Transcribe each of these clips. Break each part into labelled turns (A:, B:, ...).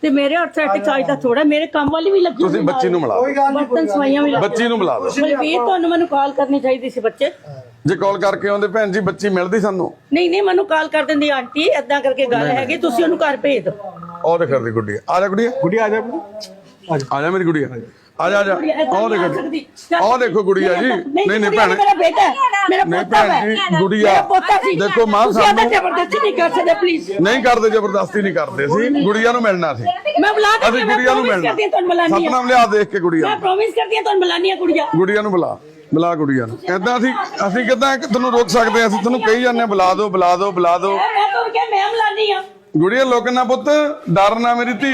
A: ਤੇ ਮੇਰੇ ਹੱਥ ਸੈਟ ਚਾਹੀਦਾ ਤਾਂ ਥੋੜਾ ਮੇਰੇ ਕੰਮ ਵਾਲੀ ਵੀ ਲੱਗੀ
B: ਤੁਸੀਂ ਬੱਚੀ ਨੂੰ ਮਿਲਾ ਦਿਓ,
A: ਬਰਤਨ ਸਫਾਈਆਂ ਵੀ
B: ਬੱਚੀ ਨੂੰ ਮਿਲਾ ਦਿਓ।
A: ਬਲਵੀਰ ਤੁਹਾਨੂੰ ਮੈਨੂੰ ਕਾਲ ਕਰਨੀ ਚਾਹੀਦੀ ਸੀ ਬੱਚੇ
B: ਜੇ ਕਾਲ ਕਰਕੇ ਆਉਂਦੇ ਭੈਣ ਜੀ ਬੱਚੀ ਮਿਲਦੀ ਸਾਨੂੰ।
A: ਨਹੀਂ ਮੈਨੂੰ ਕਾਲ ਕਰ ਦਿੰਦੀ ਆਂਟੀ ਏਦਾਂ ਕਰਕੇ ਗੱਲ ਹੈਗੀ ਤੁਸੀਂ ਉਹਨੂੰ ਘਰ ਭੇਜ ਦਿਓ।
B: ਉਹ ਦੇਖ ਰਹੀ ਗੁੱਡੀ ਆ ਜਾ ਗੁੱਡੀਆ
C: ਗੁੜੀਆ ਆ ਜਾ
B: ਆ ਜਾ ਮੇਰੀ ਗੁੱਡੀਆ ਆ ਜਾ ਉਹ ਦੇਖੋ ਗੁੜੀਆ ਜੀ ਨਹੀਂ ਭੈਣ
A: ਮੇਰਾ ਬੇਟਾ ਹੈ ਮੇਰਾ
B: ਨਹੀਂ
A: ਪੋਤਾ
B: ਭੈਣ
A: ਹੈ
B: ਜੀ ਗੁੜੀਆ
A: ਪੋਤਾ ਸੀ
B: ਦੇਖੋ ਮਾਂ
A: ਤੁਸੀਂ
B: ਸਾਨੂੰ
A: ਜ਼ਬਰਦਸਤੀ ਨਹੀਂ ਕਰ ਸਕਦੇ ਪਲੀਜ਼
B: ਨਹੀਂ ਕਰਦੇ ਜ਼ਬਰਦਸਤੀ ਨਹੀਂ ਕਰਦੇ ਸੀ ਗੁੜੀਆ ਨੂੰ ਮਿਲਣਾ ਸੀ
A: ਮੈਂ ਬੁਲਾ ਕੇ
B: ਅਸੀਂ ਗੁੜੀਆ ਨੂੰ ਮਿਲਣਾ
A: ਤੁਹਾਨੂੰ ਬੁਲਾਨੀ
B: ਸਤਨਾਮ ਲਿਆ ਦੇਖ ਕੇ ਗੁੜੀਆ
A: ਮੈਂ ਪ੍ਰੋਮਿਸ ਕਰਦੀ ਹਾਂ ਤੁਹਾਨੂੰ ਬੁਲਾਨੀ ਆ
B: ਗੁੜੀਆ ਨੂੰ ਬੁਲਾ ਗੁੜੀਆ ਨੂੰ ਏਦਾਂ ਅਸੀਂ ਕਿੱਦਾਂ ਤੁਹਾਨੂੰ ਰੋਕ ਸਕਦੇ ਅਸੀਂ ਤੁਹਾਨੂੰ ਕਹੀ ਜਾਂਦੇ ਬੁਲਾ ਦਿਓ
A: ਮੈਂ ਤਾਂ ਕਿਹਾ ਮੈਂ ਬੁਲਾਨੀ ਆ
B: ਗੁੜੀਆ ਲੋਕਨਾ ਪੁੱਤ ਡਰ ਨਾ ਮੇਰੀ ਧੀ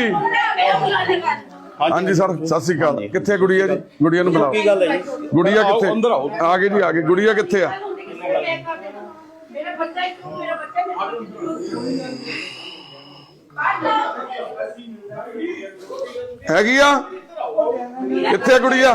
B: ਹਾਂਜੀ ਸਰ ਸਤਿ ਸ੍ਰੀ ਅਕਾਲ ਕਿੱਥੇ ਗੁੜੀਆ ਜੀ ਗੁੜੀਆ ਨੂੰ ਬੁਲਾਓ ਕੀ ਗੱਲ ਹੈ ਜੀ ਗੁੜੀਆ ਕਿੱਥੇ
C: ਅੰਦਰ ਆਓ
B: ਆ ਗਏ ਜੀ ਆ ਗਏ ਗੁੜੀਆ ਕਿੱਥੇ ਆ
A: ਮੇਰਾ ਬੱਚਾ
B: ਹੈਗੀ ਆ ਕਿੱਥੇ ਆ ਗੁੜੀਆ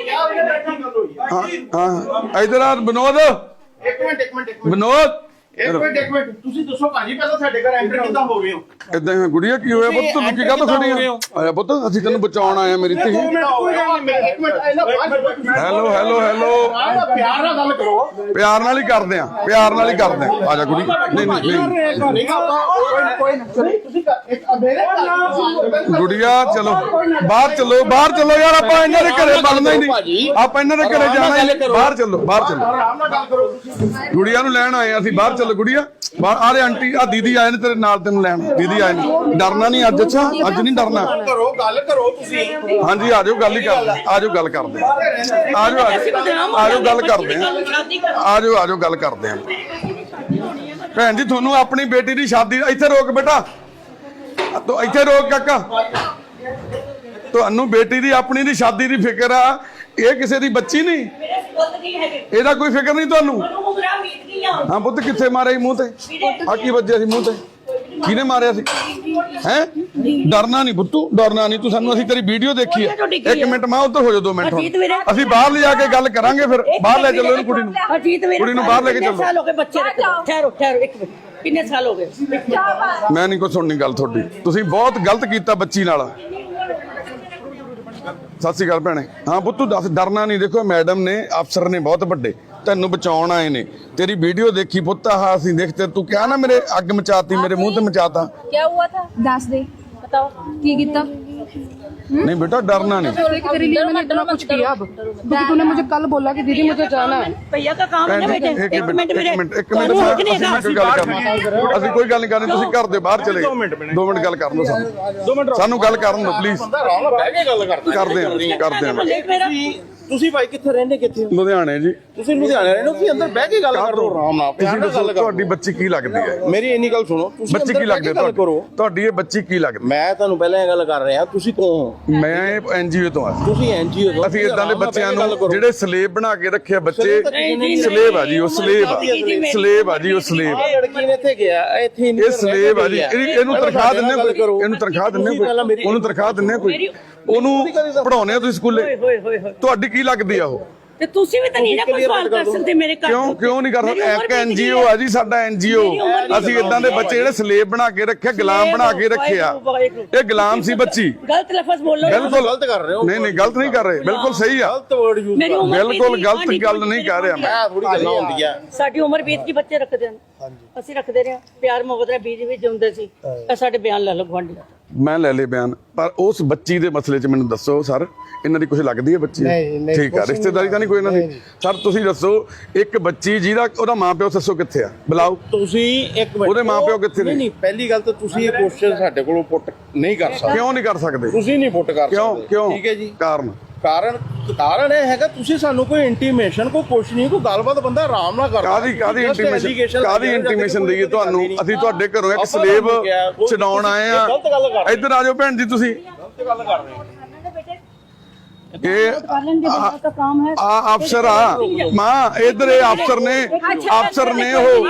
B: ਹਾਂ ਇਧਰ ਆ ਵਿਨੋਦ
D: ਇੱਕ ਮਿੰਟ
B: ਵਿਨੋਦ
D: ਇੱਕ ਮਿੰਟ ਤੁਸੀਂ ਦੱਸੋ ਭਾਜੀ ਪਹਿਲਾਂ ਸਾਡੇ ਘਰ ਐਂਟਰ ਕਿੱਦਾਂ ਹੋ ਗਏ ਹੋ
B: ਇਦਾਂ ਗੁੜੀਆ ਕੀ ਹੋਇਆ ਪੁੱਤ ਤੂੰ ਕੀ ਗੱਲ ਖੜੀ ਆਇਆ ਪੁੱਤ ਅਸੀਂ ਤੈਨੂੰ ਬਚਾਉਣ ਆਏ ਆ ਮੇਰੀ ਧੀ
D: ਇੱਕ ਮਿੰਟ
B: ਹੈਲੋ
D: ਪਿਆਰ ਨਾਲ ਗੱਲ ਕਰੋ
B: ਪਿਆਰ ਨਾਲ ਹੀ ਕਰਦੇ ਆ ਆ ਜਾ ਕੁੜੀ ਨਹੀਂ
D: ਕੋਈ ਤੁਸੀਂ ਇੱਕ ਮੇਰੇ
B: ਗੁੜੀਆ ਚਲੋ ਬਾਹਰ ਚਲੋ ਯਾਰ ਆਪਾਂ ਇਹਨਾਂ ਦੇ ਘਰੇ ਬਣਨਾ ਹੀ ਨਹੀਂ ਆਪਾਂ ਇਹਨਾਂ ਦੇ ਘਰੇ ਜਾਣਾ ਹੀ ਨਹੀਂ ਬਾਹਰ ਚਲੋ
D: ਆਰਾਮ ਨਾਲ ਗੱਲ ਕਰੋ ਤੁਸੀਂ
B: ਗੁੜੀਆ ਨੂੰ ਲੈਣ ਆਏ ਅਸੀਂ ਬਾਹਰ ਚਲੋ ਗੁੜੀਆ ਬਾਹਰ ਆ ਰਹੇ ਆਂਟੀ ਆ ਦੀਦੀ ਆਏ ਨੇ ਤੇਰੇ ਨਾਲ ਤੈਨੂੰ ਲੈਣ ਦੀਦੀ ਆਏ ਨੇ ਡਰਨਾ ਨਹੀਂ ਅੱਜ ਅੱਛਾ ਅੱਜ ਨਹੀਂ ਡਰਨਾ
D: ਗੱਲ ਕਰੋ ਤੁਸੀਂ
B: ਹਾਂਜੀ ਆ ਜਾਓ ਗੱਲ ਹੀ ਕਰਦੇ ਆ ਜਾਓ ਗੱਲ ਕਰਦੇ ਆ ਜਾਓ ਗੱਲ ਕਰਦੇ ਆ ਜਾਓ ਗੱਲ ਕਰਦੇ ਆ ਭੈਣ ਜੀ ਤੁਹਾਨੂੰ ਆਪਣੀ ਬੇਟੀ ਦੀ ਸ਼ਾਦੀ ਇੱਥੇ ਰੋਕ ਬੇਟਾ ਤੂੰ ਇੱਥੇ ਰੋਕ ਕਾਕਾ ਤੁਹਾਨੂੰ ਬੇਟੀ ਦੀ ਆਪਣੀ ਦੀ ਸ਼ਾਦੀ ਦੀ ਫਿਕਰ ਆ ਇਹ ਕਿਸੇ ਦੀ ਬੱਚੀ ਨਹੀਂ ਇਹਦਾ ਕੋਈ ਫਿਕਰ ਨਹੀਂ ਤੁਹਾਨੂੰ ਹਾਂ ਪੁੱਤ ਕਿੱਥੇ ਮਾਰਿਆ ਮੂੰਹ ਤੇ ਆ ਕੀ ਵੱਜਿਆ ਸੀ ਮੂੰਹ ਤੇ ਕਿਹਨੇ ਮਾਰਿਆ ਸੀ ਹੈ ਡਰਨਾ ਨਹੀਂ ਪੁੱਤੂ ਡਰਨਾ ਨਹੀਂ ਤੂੰ ਸਾਨੂੰ ਅਸੀਂ ਤੇਰੀ ਵੀਡੀਓ ਦੇਖੀ ਹੈ ਇੱਕ ਮਿੰਟ ਮੈਂ ਉੱਧਰ ਹੋ ਜਾ 2 ਮਿੰਟ ਅਸੀਂ ਬਾਹਰ ਲਿਜਾ ਕੇ ਗੱਲ ਕਰਾਂਗੇ ਫਿਰ ਬਾਹਰ ਲੈ ਚੱਲੋ ਇਹਨੂੰ ਕੁੜੀ ਨੂੰ ਬਾਹਰ ਲੈ ਕੇ ਚੱਲੋ
A: ਸਾਲ ਹੋ ਗਏ ਬੱਚੇ ਠਹਿਰੋ ਇੱਕ ਮਿੰਟ ਕਿੰਨੇ ਸਾਲ ਹੋ ਗਏ
B: ਮੈਂ ਨਹੀਂ ਕੋਈ ਸੁਣਨੀ ਗੱਲ ਤੁਹਾਡੀ ਤੁਸੀਂ ਬਹੁਤ ਗਲਤ ਕੀਤਾ ਬੱਚੀ ਨਾਲ ਸਤਿ ਸ਼੍ਰੀ ਅਕਾਲ ਭੈਣੇ ਹਾਂ ਪੁੱਤੂ ਦੱਸ ਡਰਨਾ ਨਹੀਂ ਦੇਖੋ ਮੈਡਮ ਨੇ ਅਫਸਰ ਨੇ ਬਹੁਤ ਵੱਡੇ ਤੈਨੂੰ ਬਚਾਉਣ ਆਏ ਨੇ ਤੇਰੀ ਵੀਡੀਓ ਦੇਖੀ ਪੁੱਤ ਆਹ ਅਸੀਂ ਦੇਖਤੇ ਤੂੰ ਕਿਹਾ ਨਾ ਮੇਰੇ ਅੱਗ ਮਚਾਤੀ ਮੇਰੇ ਮੂੰਹ ਤੇ ਮਚਾਤਾ
E: क्या हुआ था दस दे बताओ की कितना
B: नहीं बेटा डरना नहीं
E: तेरे लिए मैंने इतना कुछ किया अब क्योंकि तूने मुझे कल बोला कि दीदी मुझे जाना है
A: भैया का काम है ना बेटे एक मिनट
B: ਅਸੀਂ ਕੋਈ ਗੱਲ ਨਹੀਂ ਕਰਨੀ ਤੁਸੀਂ ਘਰ ਦੇ ਬਾਹਰ ਚਲੇ 2 ਮਿੰਟ ਗੱਲ ਕਰਨ ਦਿਓ ਸਾਨੂੰ ਗੱਲ ਕਰਨ ਦਿਓ ਪਲੀਜ਼
D: ਬਹਿ ਕੇ ਗੱਲ
B: ਕਰਦੇ ਆ
D: ਤੁਸੀਂ ਭਾਈ ਕਿੱਥੇ ਰਹਿੰਦੇ ਕਿੱਥੇ
B: ਲੁਧਿਆਣੇ ਜੀ
D: ਤੁਸੀਂ ਲੁਧਿਆਣੇ ਰਹਿੰਦੇ ਹੋ ਤੁਸੀਂ ਅੰਦਰ ਬਹਿ ਕੇ ਗੱਲ ਕਰੋ ਆਰਾਮ ਨਾਲ
B: ਤੁਸੀਂ ਦੱਸੋ ਤੁਹਾਡੀ ਬੱਚੀ ਕੀ ਲੱਗਦੀ ਹੈ
D: ਮੇਰੀ ਇੰਨੀ ਗੱਲ ਸੁਣੋ ਤੁਸੀਂ
B: ਬੱਚੀ ਕੀ ਲੱਗਦੀ ਹੈ ਤੁਹਾਡੀ ਇਹ ਬੱਚੀ ਕੀ ਲੱਗਦੀ
D: ਮੈਂ ਤੁਹਾਨੂੰ ਪਹਿਲਾਂ ਇਹ ਗੱਲ ਕਰ ਰਿਹਾ ਤੁਸੀਂ ਕੌਣ ਹੋ
B: ਮੈਂ ਐਨਜੀਓ ਤੋਂ ਆ
D: ਤੁਸੀਂ ਐਨਜੀਓ ਤੋਂ
B: ਅਸੀਂ ਇਦਾਂ ਦੇ ਬੱਚਿਆਂ ਨੂੰ ਜਿਹੜੇ ਸਲੇਬ ਬਣਾ ਕੇ ਰੱਖੇ ਬੱਚੇ ਸਲੇਬ ਆ ਜੀ ਉਹ ਸਲੇਬ ਆ ਜੀ ਉਹ ਸਲੇਬ
D: ਲੜਕੀ ਨੇ ਇੱਥੇ ਗਿਆ ਇੱਥੇ
B: ਇਹ ਸਲੇਬ ਆ ਜੀ ਇਹਨੂੰ ਤਨਖਾਹ ਦਿੰਨੇ ਕੋਈ ਉਹਨੂੰ ਤਨਖਾਹ ਦਿੰਨੇ ਕੋਈ ਉਹਨੂੰ ਪੜਾਉਣੇ ਆ ਤੁਸੀਂ ਸਕੂਲੇ ਤੁਹਾਡੀ ਕੀ ਲੱਗਦੀ ਆ ਉਹ
A: ਤੇ ਤੁਸੀਂ ਵੀ ਤਾਂ ਨਹੀਂ ਨਾ ਕੋਈ ਸਵਾਲ ਕਰ ਸਕਦੇ ਮੇਰੇ ਘਰ
B: ਕਿਉਂ ਨਹੀਂ ਕਰ ਸਕਦੇ ਇੱਕ ਐਨਜੀਓ ਆ ਜੀ ਸਾਡਾ ਐਨਜੀਓ ਅਸੀਂ ਇਦਾਂ ਦੇ ਬੱਚੇ ਜਿਹੜੇ ਸਲੇਬ ਬਣਾ ਕੇ ਰੱਖੇ ਗੁਲਾਮ ਬਣਾ ਕੇ ਰੱਖੇ ਆ ਇਹ ਗੁਲਾਮ ਸੀ ਬੱਚੀ
A: ਗਲਤ ਲਫ਼ਜ਼ ਬੋਲੋ
B: ਬਿਲਕੁਲ
D: ਗਲਤ ਕਰ ਰਹੇ ਹੋ
B: ਨਹੀਂ ਗਲਤ ਨਹੀਂ ਕਰ ਰਹੇ ਬਿਲਕੁਲ ਸਹੀ ਆ
D: ਗਲਤ ਵਰਡ ਯੂਜ਼
B: ਬਿਲਕੁਲ ਗਲਤ ਗੱਲ ਨਹੀਂ ਕਰ ਰਿਹਾ ਮੈਂ
D: ਥੋੜੀ ਗੱਲਾਂ ਹੁੰਦੀਆਂ
A: ਸਾਡੀ ਉਮਰ ਬੀਤ ਕੇ ਬੱਚੇ ਰੱਖਦੇ ਹਨ ਅਸੀਂ ਰੱਖਦੇ ਰਹੇ ਪਿਆਰ ਮੁਹੱਬਤ ਨਾਲ ਬੀਜ ਵੀ ਜਿਉਂਦੇ ਸੀ ਇਹ ਸਾਡੇ ਬਿਆਨ ਲੈ ਲਓ ਗਵਾਂਢੀ
B: ਮੈਂ ਲੈ ਲੇ ਬਿਆਨ ਪਰ ਉਸ ਬੱਚੀ ਦੇ ਮਸਲੇ 'ਚ ਮੈਨੂੰ ਦੱਸੋ ਸਰ ਇਹਨਾਂ ਦੀ ਕੁਝ ਲੱਗਦੀ ਹੈ ਬੱਚੀ ਠੀਕ ਆ ਰਿਸ਼ਤੇਦਾਰੀ ਤਾਂ ਨਹੀਂ ਕੋਈ ਇਹਨਾਂ ਦੀ ਸਰ ਤੁਸੀਂ ਦੱਸੋ ਇੱਕ ਬੱਚੀ ਜਿਹਦਾ ਉਹਦਾ ਮਾਪਿਓ ਦੱਸੋ ਕਿੱਥੇ ਆ ਬੁਲਾਓ
D: ਤੁਸੀਂ ਇੱਕ ਮਿੰਟ
B: ਉਹਦੇ ਮਾਪਿਓ ਕਿੱਥੇ ਨੇ
D: ਨਹੀਂ ਪਹਿਲੀ ਗੱਲ ਤਾਂ ਤੁਸੀਂ ਇਹ ਕੁਐਸਚਨ ਸਾਡੇ ਕੋਲੋਂ ਪੁੱਟ ਨਹੀਂ ਕਰ ਸਕਦੇ
B: ਕਿਉਂ ਨਹੀਂ ਕਰ ਸਕਦੇ
D: ਤੁਸੀਂ ਨਹੀਂ ਪੁੱਟ ਕਰ ਸਕਦੇ
B: ਕਿਉਂ
D: ਠੀਕ ਹੈ ਜੀ
B: ਕਾਰਨ
D: ਇਹ ਹੈਗਾ ਤੁਸੀਂ ਸਾਨੂੰ ਕੋਈ ਇੰਟੀਮੇਸ਼ਨ ਕੋਈ ਕੁਛ ਨਹੀਂ ਕੋਈ ਗੱਲਬਾਤ ਬੰਦਾ ਆਰਾਮ ਨਾਲ ਕਰਦਾ
B: ਕਾਦੀ ਇੰਟੀਮੇਸ਼ਨ ਦਈਏ ਤੁਹਾਨੂੰ ਅਸੀਂ ਤੁਹਾਡੇ ਘਰੋਂ ਇੱਕ ਸਲੇਬ ਛਡਾਉਣ ਆਏ ਆ ਇੱਧਰ ਆ ਜਾਓ ਭੈਣ ਜੀ ਤੁਸੀਂ
D: ਗਲਤ ਗੱਲ ਕਰ ਰਹੇ ਹੋ
B: ਆ ਅਫਸਰ ਆ ਮਾਂ ਇਧਰ ਇਹ ਅਫਸਰ ਨੇ ਉਹ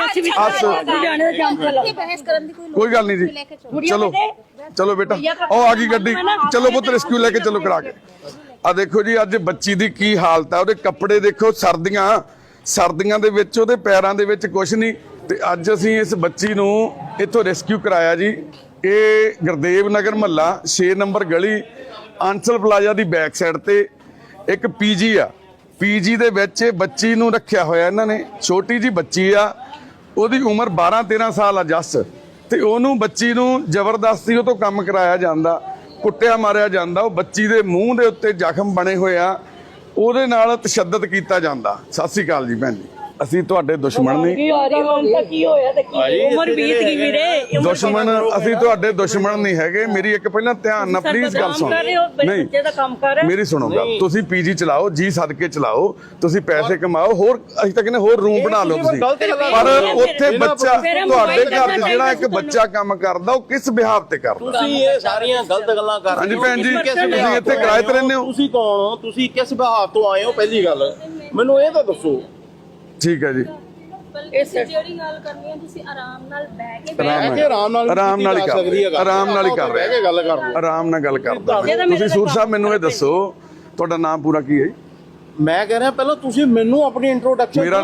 B: ਕੋਈ ਗੱਲ ਨਹੀਂ ਜੀ ਚਲੋ ਬੇਟਾ ਉਹ ਆ ਗਈ ਗੱਡੀ ਚਲੋ ਪੁੱਤ ਰੈਸਕਿਊ ਲੈ ਕੇ ਚਲੋ ਕਰਾ ਕੇ ਆ ਦੇਖੋ ਜੀ ਅੱਜ ਬੱਚੀ ਦੀ ਕੀ ਹਾਲਤ ਆ ਉਹਦੇ ਕੱਪੜੇ ਦੇਖੋ ਸਰਦੀਆਂ ਦੇ ਵਿੱਚ ਉਹਦੇ ਪੈਰਾਂ ਦੇ ਵਿੱਚ ਕੁਝ ਨਹੀਂ ਤੇ ਅੱਜ ਅਸੀਂ ਇਸ ਬੱਚੀ ਨੂੰ ਇੱਥੋਂ ਰੈਸਕਿਊ ਕਰਾਇਆ ਜੀ ਇਹ ਗੁਰਦੇਵ ਨਗਰ ਮਹੱਲਾ 6 ਨੰਬਰ ਗਲੀ ਆਂਚਲ ਪਲਾਜ਼ਾ ਦੀ ਬੈਕ ਸਾਈਡ ਤੇ ਇੱਕ ਪੀਜੀ ਆ। ਪੀਜੀ ਦੇ ਵਿੱਚ ਬੱਚੀ ਨੂੰ ਰੱਖਿਆ ਹੋਇਆ ਇਹਨਾਂ ਨੇ, ਛੋਟੀ ਜੀ ਬੱਚੀ ਆ, ਉਹਦੀ ਉਮਰ 12-13 ਸਾਲ ਆ ਜੱਸ, ਤੇ ਉਹਨੂੰ ਬੱਚੀ ਨੂੰ ਜ਼ਬਰਦਸਤੀ ਉਹ ਤੋਂ ਕੰਮ ਕਰਾਇਆ ਜਾਂਦਾ, ਕੁੱਟਿਆ ਮਾਰਿਆ ਜਾਂਦਾ। ਉਹ ਬੱਚੀ ਦੇ ਮੂੰਹ ਦੇ ਉੱਤੇ ਜ਼ਖਮ ਬਣੇ ਹੋਏ ਆ, ਉਹਦੇ ਨਾਲ ਤਸ਼ੱਦਦ ਕੀਤਾ ਜਾਂਦਾ। ਸਤਿ ਸ੍ਰੀ ਅਕਾਲ ਜੀ ਭੈਣ ਜੀ, ਅਸੀਂ ਤੁਹਾਡੇ ਦੁਸ਼ਮਣ ਨਹੀਂ।
A: ਕੀ ਹੋਇਆ ਤੇ ਕੀ ਉਮਰ ਬੀਤ ਗਈ ਵੀਰੇ।
B: ਦੁਸ਼ਮਣ ਅਸੀਂ ਤੁਹਾਡੇ ਦੁਸ਼ਮਣ ਨਹੀਂ ਹੈਗੇ। ਮੇਰੀ ਇੱਕ ਪਹਿਲਾਂ ਧਿਆਨ ਨਾਲ ਪਲੀਜ਼ ਗੱਲ ਸੁਣੋ। ਨਹੀਂ,
A: ਬੱਚੇ ਦਾ ਕੰਮ ਕਰ ਰਿਹਾ।
B: ਮੇਰੀ ਸੁਣੋ ਗੱਲ। ਤੁਸੀਂ ਪੀਜੀ ਚਲਾਓ, ਜੀ ਸਦਕੇ ਚਲਾਓ, ਤੁਸੀਂ ਪੈਸੇ ਕਮਾਓ, ਹੋਰ ਅਸੀਂ ਤਾਂ ਕਹਿੰਦੇ ਹੋਰ ਰੂਮ ਬਣਾ ਲਓ ਤੁਸੀਂ, ਪਰ ਉੱਥੇ ਬੱਚਾ ਤੁਹਾਡੇ ਘਰ 'ਚ ਜਿਹੜਾ ਇੱਕ ਬੱਚਾ ਕੰਮ ਕਰਦਾ, ਉਹ ਕਿਸ ਬਿਹਾਵ ਤੇ ਕਰਦਾ?
D: ਤੁਸੀਂ ਇਹ ਸਾਰੀਆਂ ਗਲਤ ਗੱਲਾਂ ਕਰ ਰਹੇ
B: ਹਾਂਜੀ
D: ਹੋ।
B: ਭੈਣ ਜੀ, ਤੁਸੀਂ ਇੱਥੇ ਕਿਰਾਏ ਤੇ ਰਹਿੰਦੇ ਹੋ?
D: ਤੁਸੀਂ ਕੌਣ ਹੋ? ਤੁਸੀਂ ਕਿਸ ਵਿਭਾਗ ਤੋਂ ਆਏ ਹੋ? ਪਹਿਲੀ ਗੱਲ ਮੈਨੂੰ ਇਹ ਤਾਂ ਦੱਸੋ।
B: ਠੀਕ ਹੈ ਜੀ,
C: ਜਿਹੜੀ ਗੱਲ ਕਰਨੀ ਹੈ ਤੁਸੀਂ ਆਰਾਮ ਨਾਲ ਬਹਿ ਕੇ
B: ਆਰਾਮ ਨਾਲ ਹੀ ਕਰ ਰਹੇ, ਆਰਾਮ ਨਾਲ ਹੀ ਕਰ ਰਹੇ,
D: ਗੱਲ ਕਰ ਰਹੇ,
B: ਆਰਾਮ ਨਾਲ ਗੱਲ ਕਰਦਾ। ਤੁਸੀਂ ਸੂਰ ਸਾਹਿਬ ਮੈਨੂੰ ਇਹ ਦੱਸੋ, ਤੁਹਾਡਾ ਨਾਮ ਪੂਰਾ ਕੀ ਹੈ ਜੀ?
D: ਮੈਂ ਕਹਿ ਰਿਹਾ ਪਹਿਲਾਂ ਤੁਸੀਂ ਮੈਨੂੰ ਆਪਣੀ ਇੰਟਰੋਡਕਸ਼ਨ। ਮੇਰਾ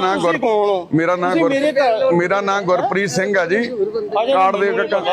B: ਨਾਮ ਗੁਰਪ੍ਰੀਤ ਸਿੰਘ ਆ ਜੀ, ਕਾਰਡ ਦੇ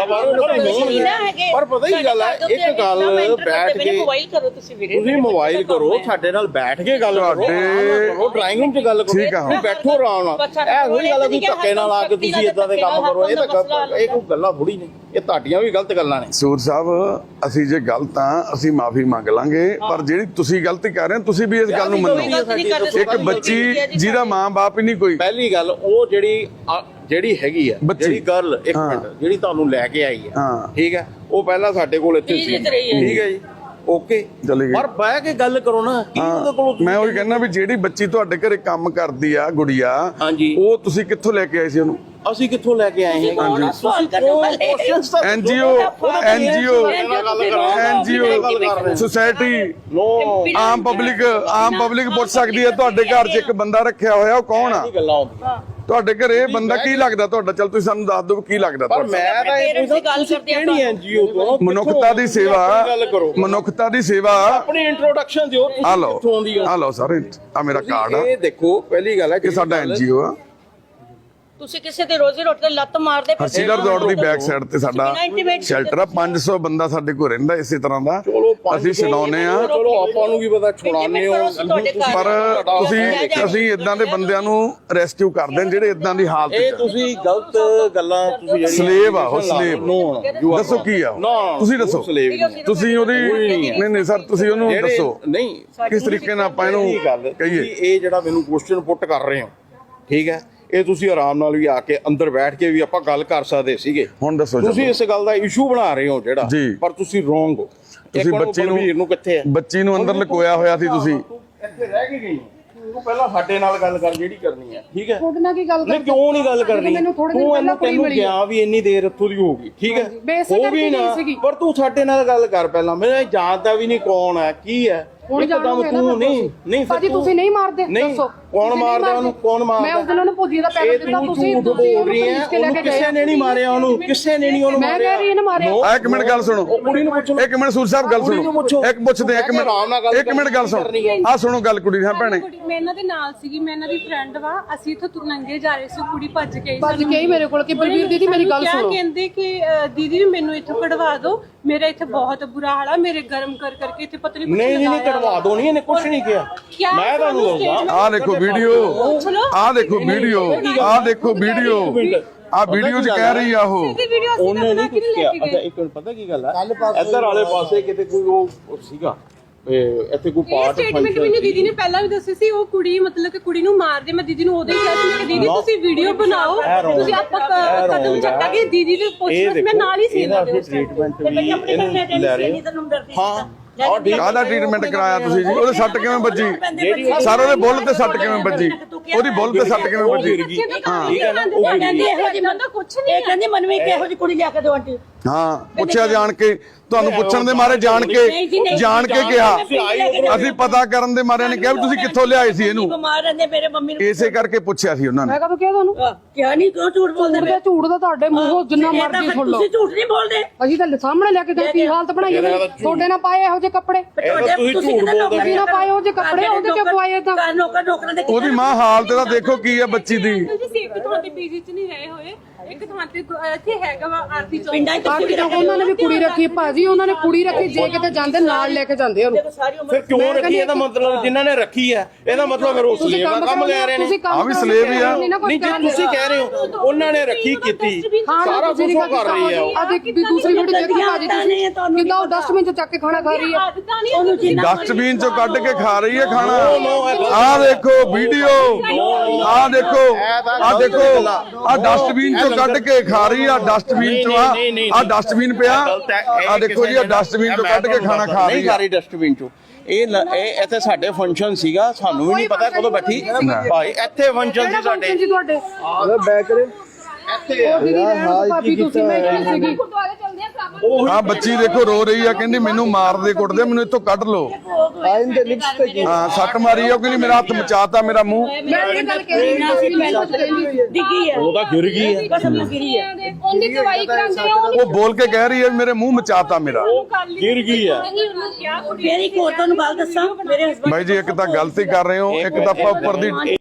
D: ਪਰ ਪਤਾ ਹੀ ਗੱਲ ਹੈ, ਇੱਕ ਗੱਲ ਬੈਠ ਕੇ
A: ਮੋਬਾਈਲ ਕਰੋ ਤੁਸੀਂ ਵੀਰੇ,
D: ਤੁਸੀਂ ਮੋਬਾਈਲ ਕਰੋ, ਸਾਡੇ ਨਾਲ ਬੈਠ ਕੇ ਗੱਲ ਕਰੋ, ਡਰਾਇੰਗ ਰੂਮ 'ਚ ਗੱਲ ਕਰੋ, ਤੁਸੀਂ ਬੈਠੋ ਆਰਾਮ ਨਾਲ। ਇਹ ਥੋੜੀ ਗੱਲ ਹੈ ਤੁਸੀਂ ਧੱਕੇ ਨਾਲ ਆ ਕੇ ਤੁਸੀਂ ਇਦਾਂ ਦੇ ਕੰਮ ਕਰੋ, ਇਹ ਤਾਂ ਇਹ ਕੋਈ ਗੱਲਾਂ ਥੋੜੀ ਨੇ, ਇਹ ਤੁਹਾਡੀਆਂ ਵੀ ਗਲਤ ਗੱਲਾਂ ਨੇ।
B: ਸੂਰ ਸਾਹਿਬ, ਅਸੀਂ ਜੇ ਗਲਤ ਆ ਅਸੀਂ ਮਾਫੀ ਮੰਗ ਲਾਂਗੇ, ਪਰ ਜਿਹੜੀ ਤੁਸੀਂ ਗਲਤੀ ਕਰ ਰਹੇ ਹੋ, ਤੁਸੀਂ ਵੀ ਇਸ ਗੱਲ ਨੂੰ ਮੰਨੋ। ਇੱਕ ਬੱਚੀ ਜਿਹਦਾ ਮਾਂ-ਬਾਪ ਹੀ ਨਹੀਂ ਕੋਈ।
D: ਪਹਿਲੀ ਗੱਲ ਉਹ ਜਿਹੜੀ ਹੈਗੀ ਆ, ਜਿਹੜੀ ਗਰਲ ਇੱਕ ਮਿੰਟ ਜਿਹੜੀ ਤੁਹਾਨੂੰ ਲੈ ਕੇ ਆਈ ਹੈ, ਠੀਕ ਹੈ, ਉਹ ਪਹਿਲਾਂ ਸਾਡੇ ਕੋਲ ਇੱਥੇ ਸੀ, ਠੀਕ ਹੈ ਜੀ, ਓਕੇ, ਪਰ ਬਹਿ ਕੇ ਗੱਲ ਕਰੋ ਨਾ।
B: ਮੈਂ ਉਹੀ ਕਹਿੰਦਾ ਵੀ ਜਿਹੜੀ ਬੱਚੀ ਤੁਹਾਡੇ ਘਰੇ ਕੰਮ ਕਰਦੀ ਆ, ਗੁੜੀਆ, ਉਹ ਤੁਸੀਂ ਕਿੱਥੋਂ ਲੈ ਕੇ ਆਏ ਸੀ ਉਹਨੂੰ?
D: ਅਸੀਂ ਕਿੱਥੋਂ ਲੈ ਕੇ ਆਏ ਹਾਂ?
B: ਐਨਜੀਓ, ਸੁਸਾਇਟੀ, ਆਮ ਪਬਲਿਕ ਪੁੱਛ ਸਕਦੀ ਹੈ। ਤੁਹਾਡੇ ਘਰ 'ਚ ਇੱਕ ਬੰਦਾ ਰੱਖਿਆ ਹੋਇਆ, ਉਹ ਕੌਣ ਆ? ਤੁਹਾਡੇ ਘਰੇ ਇਹ ਬੰਦਾ ਕੀ ਲੱਗਦਾ ਤੁਹਾਡਾ? ਚੱਲ ਤੁਸੀਂ ਸਾਨੂੰ ਦੱਸ ਦਿਓ ਕੀ ਲੱਗਦਾ
D: ਪਰ ਮੈਂ ਤਾਂ ਇਹ ਪੁੱਛਦਾ ਤੁਸੀਂ ਕਿਹੜੀ ਐਨਜੀਓ ਤੋਂ?
B: ਮਨੁੱਖਤਾ ਦੀ ਸੇਵਾ, ਮਨੁੱਖਤਾ ਦੀ ਸੇਵਾ।
D: ਆਪਣੀ ਇੰਟਰੋਡਕਸ਼ਨ ਦਿਓ,
B: ਆ ਲਓ ਸਰ, ਆ ਮੇਰਾ ਕਾਰਡ ਆ।
D: ਇਹ ਦੇਖੋ, ਪਹਿਲੀ ਗੱਲ ਹੈ
B: ਕਿ ਸਾਡਾ ਐਨਜੀਓ ਆ।
A: ਤੁਸੀਂ ਕਿਸੇ ਦੇ ਰੋਜ਼ੀ ਰੋਟੀ ਤੇ ਲੱਤ ਮਾਰਦੇ
B: ਹਰਸੀਲਾ ਰਿਜ਼ੋਰਟ ਦੀ ਬੈਕ ਸਾਈਡ ਤੇ ਸਾਡਾ ਸ਼ੈਲਟਰ ਆ। 500 ਬੰਦਾ ਸਾਡੇ ਕੋਲ ਰਹਿੰਦਾ ਇਸੇ ਤਰ੍ਹਾਂ ਦਾ। ਅਸੀਂ ਛਡਾਉਨੇ ਆ,
D: ਚਲੋ ਆਪਾਂ ਨੂੰ ਕੀ ਪਤਾ ਛੁਡਾਉਂਦੇ ਹੋ,
B: ਪਰ ਅਸੀਂ ਇਦਾਂ ਦੇ ਬੰਦਿਆਂ ਨੂੰ ਰੈਸਕਿਊ ਕਰਦੇ ਹਾਂ ਜਿਹੜੇ ਇਦਾਂ ਦੀ ਹਾਲਤ 'ਚ।
D: ਇਹ ਤੁਸੀਂ ਗਲਤ ਗੱਲਾਂ, ਤੁਸੀਂ ਜਿਹੜੀ
B: ਸਲੇਵ ਆ, ਉਹ ਸਲੇਵ। ਦੱਸੋ ਕੀ ਆ? ਤੁਸੀਂ ਦੱਸੋ, ਤੁਸੀਂ ਉਹਦੀ ਨਹੀਂ ਸਰ, ਤੁਸੀਂ ਉਹਨੂੰ ਦੱਸੋ
D: ਨਹੀਂ
B: ਕਿਸ ਤਰੀਕੇ ਨਾਲ ਆਪਾਂ ਇਹਨੂੰ ਕਹੀਏ।
D: ਇਹ ਜਿਹੜਾ ਮੈਨੂੰ ਕੁਐਸਚਨ ਪੁੱਟ ਕਰ ਰਹੇ ਹੋ, ਠੀਕ ਹੈ, ਇਹ ਤੁਸੀਂ ਆਰਾਮ ਨਾਲ ਵੀ ਆ ਕੇ ਅੰਦਰ ਬੈਠ ਕੇ ਵੀ ਆਪਾਂ ਗੱਲ ਕਰ ਸਕਦੇ ਸੀਗੇ।
B: ਹੁਣ ਦੱਸੋ,
D: ਤੁਸੀਂ ਇਸ ਗੱਲ ਦਾ ਇਸ਼ੂ ਬਣਾ ਰਹੇ ਹੋ ਜਿਹੜਾ, ਪਰ ਤੁਸੀਂ ਰੋਂਗ ਹੋ।
B: ਤੁਸੀਂ ਬੱਚੀ ਨੂੰ ਅੰਦਰ ਲੁਕੋਇਆ ਹੋਇਆ ਸੀ, ਤੁਸੀਂ
D: ਇੱਥੇ ਰਹਿ ਕੇ ਗਈ ਤੂੰ ਪਹਿਲਾਂ ਸਾਡੇ ਨਾਲ ਗੱਲ ਕਰ ਜਿਹੜੀ ਕਰਨੀ ਹੈ, ਠੀਕ ਹੈ?
E: ਤੁਹਾਡੇ ਨਾਲ ਕੀ ਗੱਲ
D: ਨਹੀਂ, ਕਿਉਂ ਨਹੀਂ ਗੱਲ ਕਰਨੀ? ਤੈਨੂੰ ਗਿਆ ਵੀ ਇੰਨੀ ਦੇਰ ਇੱਥੋਂ ਦੀ ਹੋਊਗੀ, ਠੀਕ ਹੈ, ਹੋ ਗਈ ਨਾ, ਪਰ ਤੂੰ ਸਾਡੇ ਨਾਲ ਗੱਲ ਕਰ ਪਹਿਲਾਂ। ਮੈਂ ਜਾਣਦਾ ਵੀ ਨਹੀਂ ਕੌਣ ਹੈ, ਕੀ ਹੈ। ਇੱਕਦਮ ਤੂੰ ਨਹੀਂ
E: ਭਾਜੀ, ਤੁਸੀਂ ਨਹੀਂ ਮਾਰਦੇ, ਦੱਸੋ
D: ਕੌਣ ਮਾਰਦਾ ਉਹਨੂੰ? ਕੌਣ ਮਾਰਦਾ?
E: ਮੈਂ ਉਸ ਦਿਨ ਉਹਨੂੰ ਭੁਜੀ ਦਾ ਪੈਕੇਟ ਦਿੱਤਾ, ਤੁਸੀਂ
D: ਬੋਲ ਰਹੀ ਹੈ। ਉਹਨੂੰ ਕਿਸੇ ਨੇ ਨਹੀਂ ਮਾਰਿਆ, ਉਹਨੂੰ ਕਿਸੇ ਨੇ ਨਹੀਂ ਉਹਨੂੰ ਮਾਰਿਆ।
E: ਮੈਂ ਕਹਿ ਰਹੀ ਹਾਂ ਨਾ ਮਾਰਿਆ।
B: ਇੱਕ ਮਿੰਟ ਗੱਲ ਸੁਣੋ,
D: ਕੁੜੀ ਨੂੰ ਪੁੱਛੋ।
B: ਇੱਕ ਮਿੰਟ ਸੂਰ ਸਾਹਿਬ ਗੱਲ ਸੁਣੋ, ਇੱਕ ਪੁੱਛਦੇ, ਇੱਕ ਮਿੰਟ ਗੱਲ ਸੁਣੋ, ਆ ਸੁਣੋ ਗੱਲ ਕੁੜੀ ਦੀ। ਹਾਂ ਭੈਣੇ,
C: ਮੈਂ ਇਹਨਾਂ ਦੇ ਨਾਲ ਸੀਗੀ, ਮੈਂ ਇਹਨਾਂ ਦੀ ਫਰੈਂਡ ਵਾ, ਅਸੀਂ ਇੱਥੋਂ ਤੁਰਨੰਗੇ ਜਾ ਰਹੇ ਸੀ, ਕੁੜੀ ਭੱਜ ਕੇ
E: ਆਈ ਮੇਰੇ ਕੋਲ ਕਿ ਬਲਵੀਰ ਦੀਦੀ ਮੇਰੀ ਗੱਲ ਸੁਣੋ।
C: ਕਹਿੰਦੇ ਕਿ ਦੀਦੀ ਮੈਨੂੰ ਇੱਥੋਂ ਕਢਵਾ ਦਿਓ, ਮੇਰਾ ਇੱਥੇ ਬਹੁਤ ਬੁਰਾ ਹਾਲ ਆ, ਮੇਰੇ ਗਰਮ ਕਰਕੇ ਇੱਥੇ ਪਤਾ
D: ਨਹੀਂ ਕਢਵਾ ਦੋ, ਨਹੀਂ ਇਹਨੇ ਕੁਛ ਨਹੀਂ ਕਿਹਾ। ਮੈਂ ਤੁਹਾਨੂੰ ਦੱਸਦਾ,
B: ਆਹ ਦੇਖੋ ਵੀਡੀਓ, ਆਹ ਦੇਖੋ ਵੀਡੀਓ, ਆਹ ਦੇਖੋ ਵੀਡੀਓ, ਆਹ ਵੀਡੀਓ 'ਚ ਕਹਿ ਰਹੀ ਆ ਉਹ।
D: ਉਹਨੇ ਨਹੀਂ ਕੁਝ ਕਿਹਾ। ਅੱਛਾ ਇੱਕ ਮਿੰਟ, ਪਤਾ ਕੀ ਗੱਲ ਹੈ, ਇੱਧਰ ਵਾਲੇ ਪਾਸੇ ਕਿਤੇ ਕੋਈ ਉਹ ਸੀਗਾ, ਇੱਥੇ ਕੋਈ ਪਾਰਟ
C: ਸਟੇਟਮੈਂਟ ਮੈਨੂੰ ਦੀਦੀ ਨੇ ਪਹਿਲਾਂ ਵੀ ਦੱਸੀ ਸੀ, ਉਹ ਕੁੜੀ ਮਤਲਬ ਕਿ ਕੁੜੀ ਨੂੰ ਮਾਰ ਦੇ। ਮੈਂ ਦੀਦੀ ਨੂੰ ਉਦੋਂ ਹੀ ਕਿਹਾ ਸੀ ਕਿ ਦੀਦੀ ਤੁਸੀਂ ਵੀਡੀਓ ਬਣਾਓ, ਤੁਸੀਂ ਆਪਾਂ ਕਦਮ ਚੱਕਾਂਗੇ। ਦੀਦੀ ਦੇ ਪੁੱਛਣਾ ਮੈਂ ਨਾਲ ਹੀ ਸੀ ਇਹਨਾਂ ਦੇ
D: ਟ੍ਰੀਟਮੈਂਟ ਵੀ ਇਹਨੂੰ ਲੈ ਰਹੇ ਹਾਂ।
B: ਕਾਹਦਾ ਟ੍ਰੀਟਮੈਂਟ ਕਰਾਇਆ ਤੁਸੀਂ ਜੀ? ਉਹਦੇ ਸੱਟ ਕਿਵੇਂ ਵੱਜੀ? ਸਰ ਉਹਦੇ ਬੁੱਲ ਤੇ ਸੱਟ ਕਿਵੇਂ ਵੱਜੀ? ਉਹਦੀ ਬੁੱਲ ਤੇ ਸੱਟ ਕਿਵੇਂ ਵੱਜੀ?
A: ਕਹਿੰਦੀ ਮੈਨੂੰ ਇੱਕ ਇਹੋ ਜਿਹੀ ਕੁੜੀ ਲਿਆ ਕੇ ਦਿਓ ਆਂਟੀ।
B: ਹਾਂ, ਪੁੱਛਿਆ ਜਾਣ ਕੇ, ਤੁਹਾਨੂੰ ਪੁੱਛਣ ਦੇ ਮਾਰੇ ਜਾਣ ਕੇ ਕਿਹਾ। ਅਸੀਂ ਪਤਾ ਕਰਨ ਦੇ ਮਾਰੇ ਨੇ ਕਿਹਾ ਵੀ ਤੁਸੀਂ ਕਿੱਥੋਂ ਲਿਆਏ ਸੀ ਇਹਨੂੰ।
A: ਬਿਮਾਰ ਰਹਿੰਦੇ ਮੇਰੇ ਮੰਮੀ ਨੂੰ,
B: ਇਸੇ ਕਰਕੇ ਪੁੱਛਿਆ ਸੀ ਉਹਨਾਂ ਨੇ।
E: ਮੈਂ ਕਦੋਂ ਕਿਹਾ ਤੁਹਾਨੂੰ?
A: ਕਿਹਾ ਨਹੀਂ, ਕਿਉਂ ਝੂਠ ਬੋਲਦੇ?
E: ਝੂਠ ਦਾ ਤੁਹਾਡੇ ਮੂੰਹੋਂ ਜਿੰਨਾ ਮਰਜ਼ੀ ਸੁਣ ਲਓ,
A: ਤੁਸੀਂ ਝੂਠ ਨਹੀਂ ਬੋਲਦੇ।
E: ਅਸੀਂ ਤਾਂ ਸਾਹਮਣੇ ਲੈ ਕੇ ਗਏ, ਕੀ ਹਾਲਤ ਬਣਾਈ ਉਹਨੇ। ਤੁਹਾਡੇ ਨਾਲ ਪਾਏ ਇਹੋ ਜਿਹੇ ਕੱਪੜੇ,
A: ਤੁਸੀਂ
E: ਨਾ ਪਾਏ ਉਹੋ ਜਿਹੇ ਕੱਪੜੇ, ਉਹਦੇ ਕਿਉਂ ਪਵਾਏ ਤਾਂ?
A: ਨੌਕਰਾਂ ਦੇ
B: ਉਹਦੀ ਮਾਂ ਹਾਲਤ ਦਾ ਦੇਖੋ ਕੀ ਹੈ ਬੱਚੀ ਦੀ।
C: ਸੇਫਟੀ ਤੁਹਾਡੇ ਪੀਜੀ 'ਚ ਨਹੀਂ ਰਹੇ ਹੋਏ, ਇੱਕ ਥਾਂ ਤੇ ਇੱਥੇ ਹੈਗਾ ਵਾ ਆਰਤੀ ਚੌਂਕ
A: ਪਿੰਡਾਂ 'ਚ ਤੁਸੀਂ ਵੀ ਰੱਖਦੇ
E: ਉਹਨਾਂ ਨੇ ਵੀ ਕੁੜੀ ਰੱਖੀ ਭਾਜੀ, ਉਹਨਾਂ ਨੇ ਕੁੜੀ ਰੱਖੀ, ਜੇ ਕਿਤੇ ਜਾਂਦੇ ਨਾਲ ਲੈ ਕੇ ਜਾਂਦੇ ਉਹਨੂੰ।
A: ਸਾਰੀ ਉਮਰ
D: ਫਿਰ ਕਿਉਂ ਰੱਖੀ? ਇਹਦਾ ਮਤਲਬ ਜਿਨ੍ਹਾਂ ਨੇ ਰੱਖੀ ਹੈ ਇਹਦਾ ਮਤਲਬ ਫਿਰ ਉਹ ਸਲੇਵ ਦਾ ਕੰਮ ਲੈ ਰਹੇ ਨੇ।
B: ਆ ਵੀ ਸਲੇਵ ਹੀ ਆ।
D: ਨਹੀਂ ਜੇ ਤੁਸੀਂ ਕਹਿ ਰਹੇ ਹੋ ਉਹਨਾਂ ਨੇ ਰੱਖੀ ਕੀਤੀ, ਸਾਰਾ ਕੁਝ ਉਹ ਕਰ ਰਹੀ ਹੈ।
E: ਆ ਦੇਖ ਦੂਸਰੀ ਵੀਡੀਓ ਦੇਖੀ ਭਾਜੀ ਤੁਸੀਂ, ਕਿੱਦਾਂ ਉਹ ਡਸਟਬਿਨ 'ਚ ਚੱਕ ਕੇ ਖਾਣਾ ਖਾ ਰਹੀ ਹੈ।
B: ਡਸਟਬਿਨ ਚੋਂ ਕੱਢ ਕੇ ਖਾ ਰਹੀ ਹੈ ਖਾਣਾ। ਆਹ ਦੇਖੋ ਵੀਡੀਓ, ਆਹ ਦੇਖੋ, ਆਹ ਦੇਖੋ, ਆਹ ਡਸਟਬਿਨ ਚੋਂ ਕੱਢ ਕੇ ਖਾ ਰਹੀ ਆ। ਡਸਟਬਿਨ ਚੋਂ ਆਹ ਡਸਟਬਿਨ ਪਿਆ, ਆਹ ਦੇਖੋ ਜੀ, ਆਹ ਡਸਟਬਿਨ ਚੋਂ ਕੱਢ ਕੇ ਖਾਣਾ ਖਾ ਰਹੀ
D: ਨਹੀਂ ਖਾ ਰਹੀ ਡਸਟਬਿਨ ਚੋਂ। ਇਹ ਇੱਥੇ ਸਾਡੇ ਫੰਕਸ਼ਨ ਸੀਗਾ, ਸਾਨੂੰ ਵੀ ਨਹੀਂ ਪਤਾ ਕਦੋਂ ਬੈਠੀ ਭਾਈ, ਇੱਥੇ ਫੰਕਸ਼ਨ ਸੀ ਸਾਡੇ।
E: ਜੀ ਤੁਹਾਡੇ
D: ਇੱਥੇ
E: ਭਾਬੀ ਤੁਸੀਂ ਮੈਂ ਕੀ ਸੀਗੀ।
B: ਆ ਬੱਚੀ ਦੇਖੋ ਰੋ ਰਹੀ ਆ, ਕਹਿੰਦੀ ਮੈਨੂੰ ਮਾਰਦੇ ਕੁੱਟਦੇ, ਮੈਨੂੰ ਇੱਥੋਂ ਕੱਢ ਲਓ। ਹਾਂ ਸੱਟ ਮਾਰੀ ਆ, ਕਹਿੰਦੀ ਮੇਰਾ ਹੱਥ ਮਚਾਤਾ, ਮੇਰਾ ਮੂੰਹ।
E: ਮੈਂ ਇਹ ਗੱਲ ਕਹਿ ਰਹੀ ਸੀ, ਮੈਂ ਕੁਝ ਕਹਿੰਦੀ ਸੀ।
A: ਡਿੱਗੀ ਹੈ,
D: ਉਹ ਤਾਂ ਗਿਰ ਗਈ ਹੈ।
A: ਕਸਮ ਨਾਲ ਗਿਰੀ ਹੈ।
C: ਉਹਦੀ ਦਵਾਈ ਕਰਾਉਂਦੇ ਆ
B: ਉਹ ਬੋਲ ਕੇ ਕਹਿ ਰਹੀ ਹੈ ਮੇਰੇ ਮੂੰਹ ਮਚਾਤਾ ਮੇਰਾ।
D: ਗਿਰ ਗਈ ਹੈ।
A: ਫੇਰ ਇੱਕ ਹੋਰ ਤੁਹਾਨੂੰ ਗੱਲ ਦੱਸਾਂ, ਮੇਰੇ ਹਸਬੰਦ
B: ਬਾਈ ਜੀ ਇੱਕ ਤਾਂ ਗਲਤੀ ਕਰ ਰਹੇ ਹੋ, ਇੱਕ ਤਾਂ ਆਪਾਂ ਉੱਪਰ ਦੀ